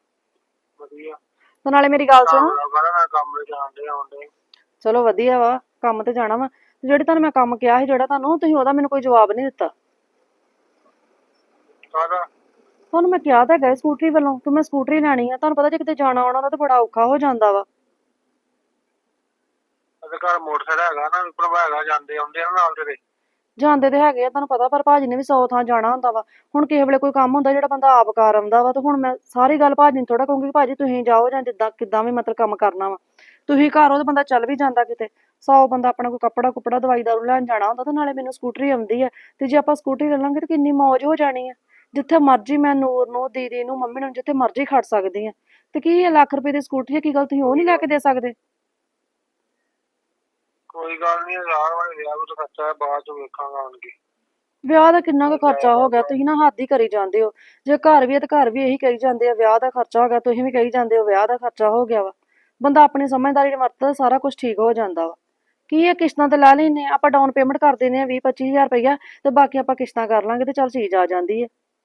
ਵਧੀਆ।
ਤੇ ਨਾਲੇ ਮੇਰੀ ਗੱਲ ਸੁਣੋ।
ਮੈਂ ਕੰਮ ਜਾਣ ਡੇ ਆਉਣ ਡੇ।
ਚਲੋ ਵਧੀਆ ਵਾ।
ਕੰਮ ਤੇ ਜਾਣਾ ਵਾ। ਤੇ ਜਿਹੜੇ ਤੁਹਾਨੂੰ ਮੈਂ ਕੰਮ ਕਿਹਾ ਸੀ ਜਿਹੜਾ ਤੁਹਾਨੂੰ, ਤੁਸੀਂ ਉਹਦਾ ਮੈਨੂੰ ਕੋਈ ਜਵਾਬ ਨਹੀਂ ਦਿੱਤਾ।
ਕਾਹਦਾ?
ਤੁਹਾਨੂੰ ਮੈਂ ਕਿਹਾ ਤਾਂ ਹੈਗਾ ਸੀ ਸਕੂਟਰੀ ਵੱਲੋਂ ਕਿ ਮੈਂ ਸਕੂਟਰੀ ਲੈਣੀ ਆ। ਤੁਹਾਨੂੰ ਪਤਾ ਜੇ ਕਿਤੇ ਜਾਣਾ ਆਉਣਾ ਦਾ ਤਾਂ ਬੜਾ ਔਖਾ ਹੋ ਜਾਂਦਾ ਵਾ।
ਉਹਦੇ ਘਰ ਮੋਟਰਸਾਈਕਲ ਹੈਗਾ ਨਾ, ਭਰਾ ਹੈਗਾ, ਜਾਂਦੇ ਆਉਂਦੇ ਆ ਨਾਲ ਤੇਰੇ।
ਜਾਂਦੇ ਤੇ ਹੈਗੇ ਆ ਤੁਹਾਨੂੰ ਪਤਾ, ਪਰ ਭਾਜੀ ਨੇ ਵੀ ਸੌ ਥਾਂ ਜਾਣਾ ਹੁੰਦਾ ਵਾ। ਹੁਣ ਕਿਸੇ ਵੇਲੇ ਕੋਈ ਕੰਮ ਹੁੰਦਾ ਜਿਹੜਾ ਬੰਦਾ ਆਪ ਕਰ ਆਉਂਦਾ ਵਾ, ਤੇ ਹੁਣ ਮੈਂ ਸਾਰੀ ਗੱਲ ਭਾਜੀ ਨੂੰ ਥੋੜਾ ਕਹੂੰਗੀ ਭਾਜੀ ਤੁਸੀਂ ਜਾਓ, ਜਾਂ ਜਿੱਦਾਂ ਕਿੱਦਾਂ ਵੀ ਮਤਲਬ ਕੰਮ ਕਰਨਾ ਵਾ। ਤੁਸੀਂ ਘਰ ਹੋ ਤੇ ਬੰਦਾ ਚੱਲ ਵੀ ਜਾਂਦਾ ਕਿਤੇ। ਸੌ ਬੰਦਾ ਆਪਣਾ ਕੋਈ ਕੱਪੜਾ ਕੁਪੜਾ ਦਵਾਈ ਦਾਰੂ ਲੈਣ ਜਾਣਾ ਹੁੰਦਾ, ਤੇ ਨਾਲੇ ਮੈਨੂੰ ਸਕੂਟਰੀ ਆਉਂਦੀ ਆ। ਤੇ ਜੇ ਆਪਾਂ ਸਕੂਟਰੀ ਲੈ ਲਾਂਗੇ ਤੇ ਕਿੰਨੀ ਮੌਜ ਹੋ ਜਾਣੀ ਆ। ਜਿੱਥੇ ਮਰਜ਼ੀ ਮੈਂ ਨੂਰ ਨੂੰ, ਦੀਦੀ ਨੂੰ, ਮੰਮੀ ਨੂੰ ਜਿੱਥੇ ਮਰਜ਼ੀ ਖੜ ਸਕਦੀ ਆ। ਤੇ ਕੀ ਇਹ ਲੱਖ ਰੁਪਏ ਦੀ ਸਕੂਟਰੀ ਆ, ਕੀ ਗੱਲ ਤੁਸੀਂ ਉਹ ਨਹੀਂ ਲੈ ਕੇ ਦੇ ਸਕਦੇ?
ਕੋਈ ਗੱਲ ਨਹੀਂ, ਯਾਰ ਵਾਲੇ ਵਿਆਹ ਵਿੱਚ ਖਰਚਾ ਹੈ, ਬਾਅਦ ਚ ਵੇਖਾਂਗਾ ਆਣ ਕੇ।
ਵਿਆਹ ਦਾ ਕਿੰਨਾ ਕੁ ਖਰਚਾ ਹੋ ਗਿਆ? ਤੁਸੀਂ ਨਾ ਹੱਦ ਹੀ ਕਰੀ ਜਾਂਦੇ ਹੋ। ਜੇ ਘਰ ਵੀ ਹੈ ਤੇ ਘਰ ਵੀ ਇਹੀ ਕਹੀ ਜਾਂਦੇ ਆ ਵਿਆਹ ਦਾ ਖਰਚਾ ਹੋ ਗਿਆ, ਤੁਸੀਂ ਵੀ ਕਹੀ ਜਾਂਦੇ ਹੋ ਵਿਆਹ ਦਾ ਖਰਚਾ ਹੋ ਗਿਆ ਵਾ। ਬੰਦਾ ਆਪਣੀ ਸਮਝਦਾਰੀ ਨਾਲ ਵਰਤਦਾ ਸਾਰਾ ਕੁਝ ਠੀਕ ਹੋ ਜਾਂਦਾ ਵਾ। ਕੀ ਇਹ ਕਿਸ਼ਤਾਂ ਤੇ ਲੈ ਲੈਨੇ ਆ ਆਪਾਂ, ਡਾਊਨ ਪੇਮੈਂਟ ਕਰ ਦਿੰਦੇ ਆ ਵੀਹ ਪੱਚੀ ਹਜ਼ਾਰ ਰੁਪਈਆ, ਤੇ ਬਾਕੀ ਆਪਾਂ ਕਿਸ਼ਤਾਂ ਕਰ ਲਾਂਗੇ ਤੇ ਚੱਲ ਚੀਜ਼ ਆ ਜਾਂਦੀ ਹੈ।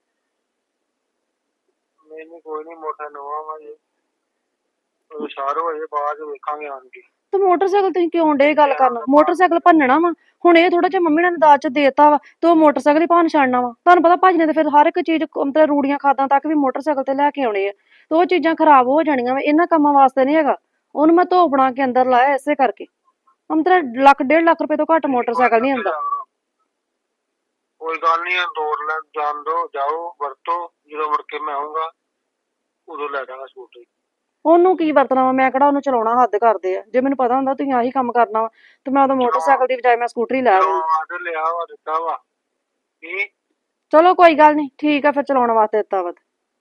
ਨਹੀਂ ਨਹੀਂ ਕੋਈ ਨਹੀਂ, ਮੋਟਰ ਨਵਾਂ ਵਾ ਜੀ, ਹੁਸ਼ਿਆਰ ਹੋ ਜੇ, ਬਾਅਦ ਚ ਵੇਖਾਂਗੇ ਆਣ ਕੇ।
ਤੇ ਮੋਟਰਸਾਈਕਲ ਤੁਸੀਂ ਕਿਉਂ ਡੇ ਗੱਲ ਕਰਨ? ਮੋਟਰਸਾਈਕਲ ਭੰਨਣਾ ਵਾ ਹੁਣ? ਇਹ ਥੋੜਾ ਜਿਹਾ ਮੰਮੀ ਨੇ ਦਾਜ ਚ ਦੇਤਾ ਵਾ ਤੇ ਉਹ ਮੋਟਰਸਾਈਕਲ ਹੀ ਭੰਨ ਛੱਡਣਾ ਵਾ? ਤੁਹਾਨੂੰ ਪਤਾ ਭਾਜੀ ਨੇ ਤੇ ਫਿਰ ਹਰ ਇੱਕ ਚੀਜ਼ ਮਤਲਬ ਰੂੜੀਆਂ ਖਾਦਾਂ ਤੱਕ ਵੀ ਮੋਟਰਸਾਈਕਲ ਤੇ ਲੈ ਕੇ ਆਉਣੇ ਆ, ਤੇ ਉਹ ਚੀਜ਼ਾਂ ਖਰਾਬ ਹੋ ਜਾਣੀਆਂ ਵਾ। ਇਹਨਾਂ ਕੰਮਾਂ ਵਾਸਤੇ ਨਹੀਂ ਹੈਗਾ। ਉਹਨੂੰ ਮੈਂ ਧੋ ਬਣਾ ਕੇ ਅੰਦਰ ਲਾਇਆ ਇਸੇ ਕਰਕੇ। ਮਤਲਬ ਲੱਖ ਡੇਢ ਲੱਖ ਰੁਪਏ ਤੋਂ ਘੱਟ ਮੋਟਰਸਾਈਕਲ ਨਹੀਂ ਆਉਂਦਾ।
ਕੋਈ ਗੱਲ ਨਹੀਂ, ਦੌੜ ਲੈ ਜਾਣ ਦੋ, ਜਾਓ ਵਰਤੋ, ਜਦੋਂ ਮੁੜ ਕੇ ਮੈਂ ਆਊਂਗਾ ਉਦੋਂ ਲੈ ਜਾਵਾਂਗਾ ਸਕੂਟਰੀ।
ਉਹਨੂੰ ਕੀ ਵਰਤਣਾ ਵਾ? ਮੈਂ ਕਿਹੜਾ ਉਹਨੂੰ ਚਲਾਉਣਾ ਹੱਦ ਕਰਦੇ ਆ। ਜੇ ਮੈਨੂੰ ਪਤਾ ਹੁੰਦਾ ਤੁਸੀਂ ਆਹੀ ਕੰਮ ਕਰਨਾ ਵਾ ਤੇ ਮੈਂ ਉਹਦਾ ਮੋਟਰਸਾਈਕਲ ਦੀ ਬਜਾਏ ਮੈਂ ਸਕੂਟਰੀ ਲੈ ਆਉਂਦੀ।
ਤੇ ਲਿਆ ਵਾ, ਦਿੱਤਾ ਵਾ ਕੀ?
ਚਲੋ ਕੋਈ ਗੱਲ ਨਹੀਂ, ਠੀਕ ਆ ਫਿਰ, ਚਲਾਉਣ ਵਾਸਤੇ ਦਿੱਤਾ ਵਾ।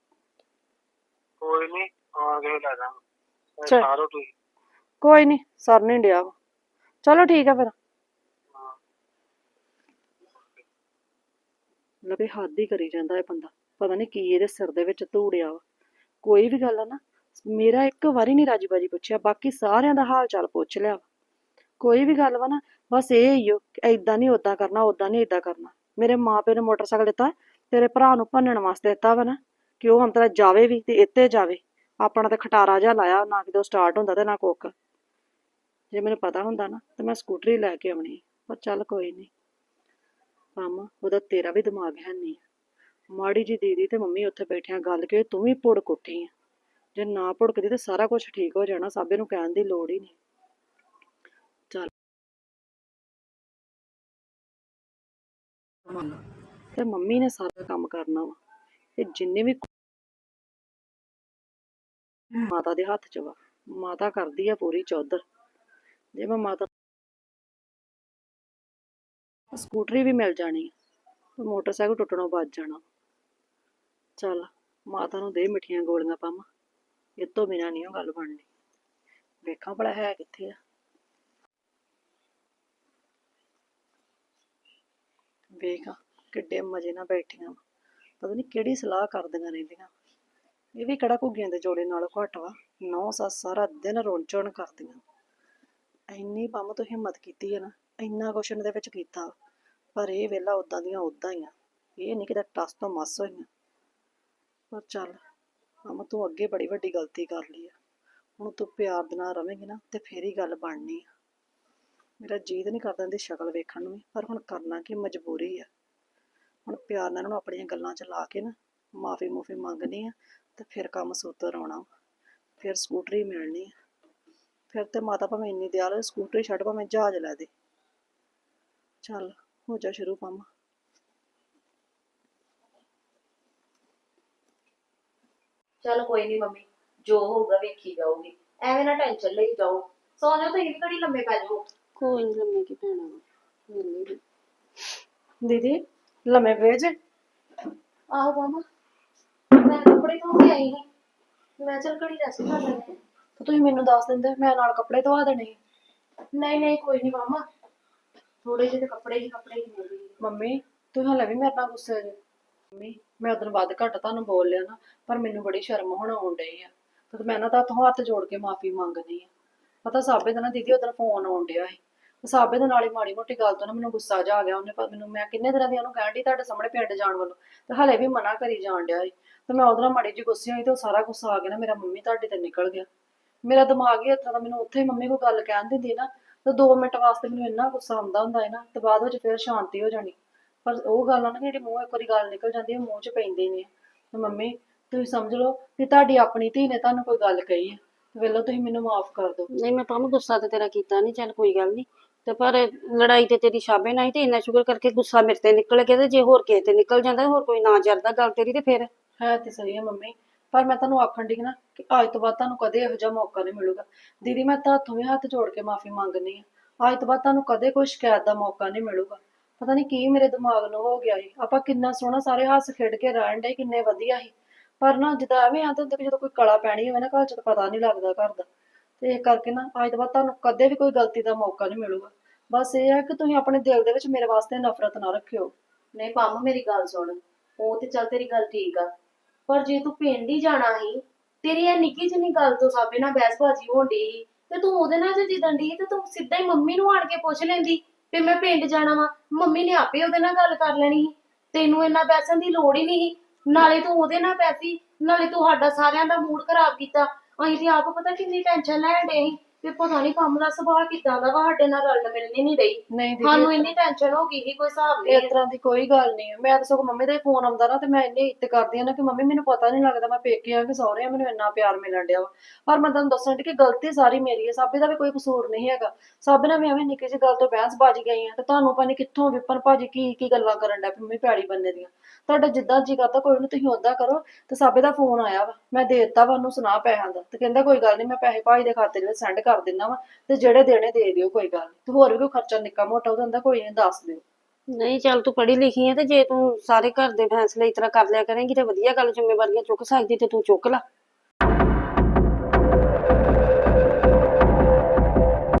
ਕੋਈ ਨਹੀਂ, ਆ ਕੇ ਲੈ ਜਾਵਾਂਗਾ।
ਚੱਲ।
ਸਾਰੋ ਤੁਸੀਂ।
ਕੋਈ ਨਹੀਂ, ਸਰ ਨਹੀਂ ਡਿਆ ਵਾ। ਚਲੋ ਠੀਕ ਆ ਫਿਰ। ਲੱਭੇ ਹੱਦ ਹੀ ਕਰੀ ਜਾਂਦਾ ਇਹ ਬੰਦਾ। ਪਤਾ ਨਹੀਂ ਕੀ ਇਹਦੇ ਸਿਰ ਦੇ ਵਿੱਚ ਧੂੜਿਆ ਵਾ। ਕੋਈ ਵੀ ਗੱਲ ਆ ਨਾ, ਮੇਰਾ ਇੱਕ ਵਾਰੀ ਨਹੀਂ ਰਾਜੀ ਬਾਜੀ ਪੁੱਛਿਆ, ਬਾਕੀ ਸਾਰਿਆਂ ਦਾ ਹਾਲ ਚਾਲ ਪੁੱਛ ਲਿਆ ਵਾ। ਕੋਈ ਵੀ ਗੱਲ ਵਾ ਨਾ, ਬਸ ਇਹ ਹੀ ਓ ਏਦਾਂ ਨਹੀਂ ਓਦਾਂ ਕਰਨਾ, ਓਦਾਂ ਨਹੀਂ ਏਦਾਂ ਕਰਨਾ। ਮੇਰੇ ਮਾਂ ਪਿਓ ਨੇ ਮੋਟਰਸਾਈਕਲ ਦਿੱਤਾ ਤੇਰੇ ਭਰਾ ਨੂੰ ਭੰਨਣ ਵਾਸਤੇ ਦਿੱਤਾ ਵਾ ਨਾ, ਕਿ ਉਹ ਹਮਤਰਾ ਜਾਵੇ ਵੀ ਤੇ ਇੱਥੇ ਜਾਵੇ। ਆਪਣਾ ਤੇ ਖਟਾਰਾ ਜਿਹਾ ਲਾਇਆ, ਨਾ ਕਿਤੇ ਸਟਾਰਟ ਹੁੰਦਾ ਤੇ ਨਾ ਕੁੱਕ। ਜੇ ਮੈਨੂੰ ਪਤਾ ਹੁੰਦਾ ਨਾ ਤੇ ਮੈਂ ਸਕੂਟਰੀ ਲੈ ਕੇ ਆਉਣੀ, ਪਰ ਚੱਲ ਕੋਈ ਨਹੀਂ। ਕੰਮ ਉਹਦਾ ਤੇਰਾ ਵੀ ਦਿਮਾਗ ਹੈ ਨਹੀਂ। ਮਾੜੀ ਜੀ ਦੀਦੀ ਤੇ ਮੰਮੀ ਉੱਥੇ ਬੈਠਿਆਂ ਗੱਲ ਕੇ ਤੂੰ ਵੀ ਭੁੜਕ ਉੱਠੀ ਆ। ਜੇ ਨਾ ਭੁੜਕਦੀ ਤੇ ਸਾਰਾ ਕੁਝ ਠੀਕ ਹੋ ਜਾਣਾ, ਸਾਬੇ ਨੂੰ ਕਹਿਣ ਦੀ ਲੋੜ ਹੀ ਨਹੀਂ। ਚੱਲ ਤੇ ਮੰਮੀ ਨੇ ਸਾਰਾ ਕੰਮ ਕਰਨਾ ਵਾ, ਤੇ ਜਿੰਨੇ ਵੀ ਮਾਤਾ ਦੇ ਹੱਥ 'ਚ ਵਾ। ਮਾਤਾ ਕਰਦੀ ਆ ਪੂਰੀ ਚੌਧਰ। ਜੇ ਮੈਂ ਮਾਤਾ ਸਕੂਟਰੀ ਵੀ ਮਿਲ ਜਾਣੀ ਤੇ ਮੋਟਰਸਾਈਕਲ ਟੁੱਟਣੋਂ ਬਚ ਜਾਣਾ। ਚੱਲ ਮਾਤਾ ਨੂੰ ਦੇ ਮਿੱਠੀਆਂ ਗੋਲੀਆਂ ਪਾਵਾਂ, ਇਹ ਤੋਂ ਬਿਨਾਂ ਨਹੀਂ ਉਹ ਗੱਲ ਬਣਨੀ। ਵੇਖਾਂ ਭਲਾ ਹੈ ਕਿੱਥੇ ਆ। ਵੇਖ ਕਿੱਡੇ ਮਜ਼ੇ ਨਾਲ ਬੈਠੀਆਂ, ਪਤਾ ਨਹੀਂ ਕਿਹੜੀ ਸਲਾਹ ਕਰਦੀਆਂ ਰਹਿੰਦੀਆਂ। ਇਹ ਵੀ ਕਿਹੜਾ ਘੁੱਗੀਆਂ ਦੇ ਜੋੜੇ ਨਾਲ ਘੱਟ ਵਾ। ਨੌ ਸੱਸ ਸਾਰਾ ਦਿਨ ਰੋਣ ਚੋਣ ਕਰਦੀਆਂ। ਇੰਨੀ ਪੰਮ ਤੋਂ ਹਿੰਮਤ ਕੀਤੀ ਹੈ ਨਾ, ਇੰਨਾ ਕੁਛ ਇਹਦੇ ਵਿੱਚ ਕੀਤਾ, ਪਰ ਇਹ ਵੇਲਾ ਉਦਾਂ ਦੀਆਂ ਉਦਾਂ ਹੀ ਆ। ਇਹ ਨਹੀਂ ਕਿਤੇ ਟਸ ਤੋਂ ਮਸ ਹੋਈਆਂ। ਪਰ ਚੱਲ ਪੰਮ, ਤੂੰ ਅੱਗੇ ਬੜੀ ਵੱਡੀ ਗਲਤੀ ਕਰ ਲਈ ਆ। ਹੁਣ ਤੂੰ ਪਿਆਰ ਦੇ ਨਾਲ ਰਵੇਂਗੀ ਨਾ ਤੇ ਫੇਰ ਹੀ ਗੱਲ ਬਣਨੀ ਆ। ਮੇਰਾ ਜੀਅ ਤਾਂ ਨਹੀਂ ਕਰਦਾ ਇਹਦੀ ਸ਼ਕਲ ਵੇਖਣ ਨੂੰ ਵੀ, ਪਰ ਹੁਣ ਕਰਨਾ ਕੀ, ਮਜਬੂਰੀ ਆ। ਹੁਣ ਪਿਆਰ ਨਾਲ ਇਹਨੂੰ ਆਪਣੀਆਂ ਗੱਲਾਂ 'ਚ ਲਾ ਕੇ ਨਾ ਮਾਫੀ ਮੂਫੀ ਮੰਗਣੀ ਆ, ਤੇ ਫਿਰ ਕੰਮ ਸੂਤਰ ਆਉਣਾ। ਫਿਰ ਸਕੂਟਰੀ ਮਿਲਣੀ ਆ। ਫਿਰ ਤੇ ਮਾਤਾ ਭਾਵੇਂ ਇੰਨੀ ਦਿਆਲ ਹੋਏ, ਸਕੂਟਰੀ ਛੱਡ ਭਾਵੇਂ ਜਹਾਜ਼ ਲੈ ਦੇ। ਚੱਲ ਹੋ ਜਾ ਸ਼ੁਰੂ ਪੰਮ।
ਚੱਲ ਕੋਈ ਨਹੀਂ ਮੰਮੀ, ਜੋ ਹੋਊਗਾ ਵੇਖੀ ਜਾਊਗੀ। ਐਵੇਂ ਨਾ ਟੈਨਸ਼ਨ ਲਈ ਜਾਓ। ਸੌ ਜਾਓ, ਤੁਸੀਂ ਵੀ ਘੜੀ ਲੰਮੇ ਪੈ ਜਾਓ।
ਕੋਈ ਨੀ, ਲੰਮੇ ਕੀ ਪੈਣਾ ਵਾ। ਦੀਦੀ ਲੰਮੇ ਪਏ ਜੇ?
ਆਹੋ ਮਾਮਾ, ਮੈਂ ਕੱਪੜੇ ਧੋ ਕੇ ਆਈ ਸੀ। ਮੈਂ ਚੱਲ ਘੜੀ ਰੈਸਟ ਕਰ ਲੈਂਦੇ।
ਤੇ ਤੁਸੀਂ ਮੈਨੂੰ ਦੱਸ ਦਿੰਦੇ, ਮੈਂ ਨਾਲ ਕੱਪੜੇ ਧਵਾ ਦੇਣੇ ਸੀ।
ਨਹੀਂ ਨਹੀਂ ਕੋਈ ਨਹੀਂ ਮਾਮਾ, ਥੋੜੇ ਜਿਹੇ ਕੱਪੜੇ ਹੀ ਕੱਪੜੇ ਹੀ ਮਿਲਦੇ।
ਮੰਮੀ ਤੁਸੀਂ ਹਲੇ ਵੀ ਮੇਰੇ ਨਾਲ ਗੁੱਸੇ ਜੇ? ਮੰਮੀ ਮੈਂ ਉਦੋਂ ਵੱਧ ਘੱਟ ਤੁਹਾਨੂੰ ਬੋਲ ਲਿਆ ਨਾ, ਪਰ ਮੈਨੂੰ ਬੜੀ ਸ਼ਰਮ ਹੁਣ ਆਉਣ ਡਈ ਆ, ਤੇ ਮੈਂ ਨਾ ਤੁਹਾਡੇ ਹੱਥ ਜੋੜ ਕੇ ਮਾਫੀ ਮੰਗਦੀ ਆ। ਪਤਾ ਸਾਬੇ ਦਾ ਨਾ ਦੀਦੀ ਉਧਰ ਫੋਨ ਆਉਣ ਡਿਆ ਸੀ, ਸਾਬੇ ਦੇ ਨਾਲ ਹੀ ਮਾੜੀ ਮੋਟੀ ਗੱਲ ਤੋਂ ਨਾ ਮੈਨੂੰ ਗੁੱਸਾ ਜਾ ਆ ਗਿਆ। ਉਹਨੇ ਮੈਨੂੰ, ਮੈਂ ਕਿੰਨੇ ਦਿਨਾਂ ਦੀ ਉਹਨੂੰ ਕਹਿਣ ਡਈ ਤੁਹਾਡੇ ਸਾਹਮਣੇ ਪਿੰਡ ਜਾਣ ਵੱਲੋਂ, ਤੇ ਹਲੇ ਵੀ ਮਨਾ ਕਰੀ ਜਾਣ ਡਿਆ ਸੀ। ਤੇ ਮੈਂ ਉਹਦੇ ਨਾਲ ਮਾੜੀ ਜਿਹੀ ਗੁੱਸੇ ਹੋਈ ਤੇ ਉਹ ਸਾਰਾ ਗੁੱਸਾ ਆ ਗਿਆ ਨਾ ਮੇਰਾ ਮੰਮੀ ਤੁਹਾਡੇ ਤੇ ਨਿਕਲ ਗਿਆ। ਮੇਰਾ ਦਿਮਾਗ ਹੀ ਇਸ ਤਰ੍ਹਾਂ ਦਾ, ਮੈਨੂੰ ਉੱਥੇ ਹੀ ਮੰਮੀ ਕੋਈ ਗੱਲ ਕਹਿਣ ਦਿੰਦੀ ਨਾ ਤੇ ਦੋ ਮਿੰਟ ਵਾਸਤੇ ਮੈਨੂੰ ਇੰਨਾ ਗੁੱਸਾ ਆਉਂਦਾ ਹੁੰਦਾ ਹੈ ਨਾ ਤੇ ਬਾਅਦ ਵਿੱਚ ਫਿਰ ਸ਼ਾਂਤੀ ਹੋ ਜਾਣੀ। ਪਰ ਉਹ ਗੱਲ ਆ ਨਾ ਜਿਹੜੀ ਮੂੰਹ ਇੱਕ ਵਾਰੀ ਗੱਲ ਨਿਕਲ ਜਾਂਦੀ ਹੈ ਮੂੰਹ 'ਚ ਪੈਂਦੀ ਨਹੀਂ। ਤੇ ਮੰਮੀ ਤੁਸੀਂ ਸਮਝ ਲਓ ਕਿ ਤੁਹਾਡੀ ਆਪਣੀ ਧੀ ਨੇ ਤੁਹਾਨੂੰ ਕੋਈ ਗੱਲ ਕਹੀ ਹੈ, ਵੇਲੋ ਤੁਸੀਂ ਮੈਨੂੰ ਮਾਫ ਕਰ ਦਿਓ।
ਨਹੀਂ ਮੈਂ ਤਾਂ ਗੁੱਸਾ ਤੇ ਤੇਰਾ ਕੀਤਾ ਨਹੀਂ, ਚੱਲ ਕੋਈ ਗੱਲ ਨਹੀਂ। ਤੇ ਪਰ ਲੜਾਈ ਤੇ ਤੇਰੀ ਸ਼ਾਬੇ ਨਾਲ ਹੀ ਤੇ ਇੰਨਾ ਸ਼ੁਕਰ ਕਰਕੇ ਗੁੱਸਾ ਮੇਰੇ ਤੇ ਨਿਕਲ ਗਿਆ, ਤੇ ਜੇ ਹੋਰ ਕਿਸੇ ਤੇ ਨਿਕਲ ਜਾਂਦਾ, ਹੋਰ ਕੋਈ ਨਾ ਜਰਦਾ ਗੱਲ ਤੇਰੀ, ਤੇ ਫਿਰ
ਹੈ ਤੇ ਸਹੀ ਹੈ ਮੰਮੀ, ਪਰ ਮੈਂ ਤੁਹਾਨੂੰ ਆਖਣ ਡਈ ਨਾ ਕਿ ਅੱਜ ਤੋਂ ਬਾਅਦ ਤੁਹਾਨੂੰ ਕਦੇ ਇਹੋ ਜਿਹਾ ਮੌਕਾ ਨਹੀਂ ਮਿਲੂਗਾ। ਦੀਦੀ ਮੈਂ ਤਾਂ ਹੱਥੋਂ ਵੀ ਹੱਥ ਜੋੜ ਕੇ ਮਾਫੀ ਮੰਗਣੀ ਆ, ਅੱਜ ਤੋਂ ਬਾਅਦ ਤੁਹਾਨੂੰ ਕਦੇ ਕੋਈ ਸ਼ਿਕਾਇਤ ਦਾ ਮੌਕਾ ਨਹੀਂ ਮਿਲੂਗਾ। ਪਤਾ ਨਹੀਂ ਕੀ ਮੇਰੇ ਦਿਮਾਗ ਨੂੰ ਹੋ ਗਿਆ ਸੀ, ਆਪਾਂ ਕਿੰਨਾ ਸੋਹਣਾ ਸਾਰੇ ਹੱਸ ਖੇਡ ਕੇ ਰਹਿਣ ਡੇ, ਕਿੰਨੇ ਵਧੀਆ ਸੀ। ਪਰ ਨਾ ਜਿੱਦਾਂ ਐਵੇਂ ਆਂਦੇ ਹੁੰਦੇ ਕਿ ਜਦੋਂ ਕੋਈ ਕਲਾ ਪੈਣੀ ਹੋਵੇ ਨਾ ਘਰ 'ਚ ਤਾਂ ਪਤਾ ਨਹੀਂ ਲੱਗਦਾ ਘਰ ਦਾ। ਤੇ ਇਸ ਕਰਕੇ ਨਾ ਅੱਜ ਤੋਂ ਬਾਅਦ ਤੁਹਾਨੂੰ ਕਦੇ ਵੀ ਕੋਈ ਗਲਤੀ ਦਾ ਮੌਕਾ ਨਹੀਂ ਮਿਲੂਗਾ। ਬਸ ਇਹ ਹੈ ਕਿ ਤੁਸੀਂ ਆਪਣੇ ਦਿਲ ਦੇ ਵਿੱਚ ਮੇਰੇ ਵਾਸਤੇ ਨਫ਼ਰਤ ਨਾ ਰੱਖਿਓ।
ਨਹੀਂ ਪੰਮ ਮੇਰੀ ਗੱਲ ਸੁਣ, ਉਹ ਤੇ ਚੱਲ ਤੇਰੀ ਗੱਲ ਠੀਕ ਆ, ਪਰ ਜੇ ਤੂੰ ਪਿੰਡ ਹੀ ਜਾਣਾ ਸੀ, ਤੇਰੀ ਇਹ ਨਿੱਕੀ ਜਿਹੀ ਗੱਲ ਤੋਂ ਸਾਬੇ ਨਾਲ ਬਹਿਸਬਾਜ਼ੀ ਹੋਣ ਡਈ ਸੀ, ਤੇ ਤੂੰ ਉਹਦੇ ਨਾਲ ਜੇ ਜਿੱਦਣ ਡਈ ਤੇ ਤੂੰ ਸਿੱਧਾ ਹੀ ਮੰਮੀ ਨੂੰ ਆਣ ਕੇ ਪੁੱਛ ਲੈਂਦੀ ਵੀ ਮੈਂ ਪਿੰਡ ਜਾਣਾ ਵਾ, ਮੰਮੀ ਨੇ ਆਪੇ ਉਹਦੇ ਨਾਲ ਗੱਲ ਕਰ ਲੈਣੀ ਸੀ। ਤੈਨੂੰ ਇੰਨਾ ਬੈਸਣ ਦੀ ਲੋੜ ਹੀ ਨਹੀਂ ਸੀ, ਨਾਲੇ ਤੂੰ ਉਹਦੇ ਨਾਲ ਬੈਸੀ, ਨਾਲੇ ਤੂੰ ਸਾਡਾ ਸਾਰਿਆਂ ਦਾ ਮੂਡ ਖਰਾਬ ਕੀਤਾ। ਅਸੀਂ ਤੇ ਆਪ ਪਤਾ ਕਿੰਨੀ ਟੈਨਸ਼ਨ ਲੈਣ ਡੇ ਸੀ ਵੀ ਪਤਾ ਨਹੀਂ ਕੰਮ ਦਾ ਸੁਭਾਅ ਕਿੱਦਾਂ ਦਾ ਵਾ, ਸਾਡੇ ਨਾਲ ਰਲਣ ਮਿਲਣੀ ਨਹੀਂ ਰਹੀ।
ਨਹੀਂ ਦੀਦੀ
ਸਾਨੂੰ ਇੰਨੀ ਟੈਨਸ਼ਨ ਹੋ ਗਈ ਸੀ ਕੋਈ ਹਿਸਾਬ ਨਹੀਂ।
ਇਸ ਤਰ੍ਹਾਂ ਦੀ ਕੋਈ ਗੱਲ ਨਹੀਂ ਹੈ। ਮੈਂ ਤਾਂ ਸਗੋਂ ਮੰਮੀ ਦਾ ਹੀ ਫੋਨ ਆਉਂਦਾ ਨਾ ਤੇ ਮੈਂ ਇੰਨੀ ਇੱਜ਼ਤ ਕਰਦੀ ਹਾਂ ਨਾ ਕਿ ਮੰਮੀ ਮੈਨੂੰ ਪਤਾ ਨਹੀਂ ਲੱਗਦਾ ਮੈਂ ਪੇਕੇ ਆ ਕਿ ਸਹੁਰੇ ਆ, ਮੈਨੂੰ ਇੰਨਾ ਪਿਆਰ ਮਿਲਣ ਡਿਆ ਵਾ। ਪਰ ਮੈਂ ਤੁਹਾਨੂੰ ਦੱਸਣ ਡਈ ਕਿ ਗਲਤੀ ਸਾਰੀ ਮੇਰੀ ਹੈ, ਸਾਬੇ ਦਾ ਵੀ ਕੋਈ ਕਸੂਰ ਨਹੀਂ ਹੈਗਾ। ਸਾਬੇ ਨਾਲ ਵੀ ਐਵੇਂ ਨਿੱਕੀ ਜਿਹੀ ਗੱਲ ਤੋਂ ਬਹਿਸ ਬਾਜੀ ਗਈ ਆ, ਤੇ ਤੁਹਾਨੂੰ ਪਤਾ ਨਹੀਂ ਕਿੱਥੋਂ ਵਿਪਨ ਭਾਜੀ ਕੀ ਕੀ ਗੱਲਾਂ ਕਰਨ ਡਿਆ ਮੰਮੀ ਪੈੜੀ ਬੰਨੇ ਦੀਆਂ। ਤੁਹਾਡਾ ਜਿੱਦਾਂ ਜੀ ਕਰਦਾ ਕੋਈ ਨਹੀਂ ਤੁਸੀਂ ਓਦਾਂ ਕਰੋ। ਤੇ ਸਾਬੇ ਦਾ ਫੋਨ ਆਇਆ ਵਾ, ਮੈਂ ਦੇ ਦਿੱਤਾ ਵਾ ਉਹਨੂੰ ਸੁਣਾ ਪੈਸਿਆਂ ਦਾ, ਤੇ ਕਹਿੰਦਾ ਕੋਈ ਗੱਲ ਨਹੀਂ ਮੈਂ ਪੈਸੇ ਭਾਜੀ ਦੇ ਖਾਤੇ ਦੇ ਵਿੱਚ ਸੈਂਡ ਕਰ ਦਿੰਦਾ ਵਾ, ਤੇ ਜਿਹੜੇ ਦੇਣੇ ਦੇ ਦਿਓ ਕੋਈ ਗੱਲ ਨੀ। ਤੇ ਹੋਰ ਵੀ ਕੋਈ ਖਰਚਾ ਨਿੱਕਾ ਮੋਟਾ ਉਹਦਾ ਹੁੰਦਾ ਕੋਈ ਨਹੀਂ ਦੱਸ ਦਿਓ।
ਨਹੀਂ ਚੱਲ ਤੂੰ ਪੜ੍ਹੀ ਲਿਖੀ ਹੈ, ਤੇ ਜੇ ਤੂੰ ਸਾਰੇ ਘਰ ਦੇ ਫੈਸਲੇ ਇਸ ਤਰ੍ਹਾਂ ਕਰ ਲਿਆ ਕਰੇਂਗੀ ਤੇ ਵਧੀਆ ਗੱਲ, ਜ਼ਿੰਮੇਵਾਰੀਆਂ ਚੁੱਕ ਸਕਦੀ ਤੇ ਤੂੰ ਚੁੱਕ ਲਾ।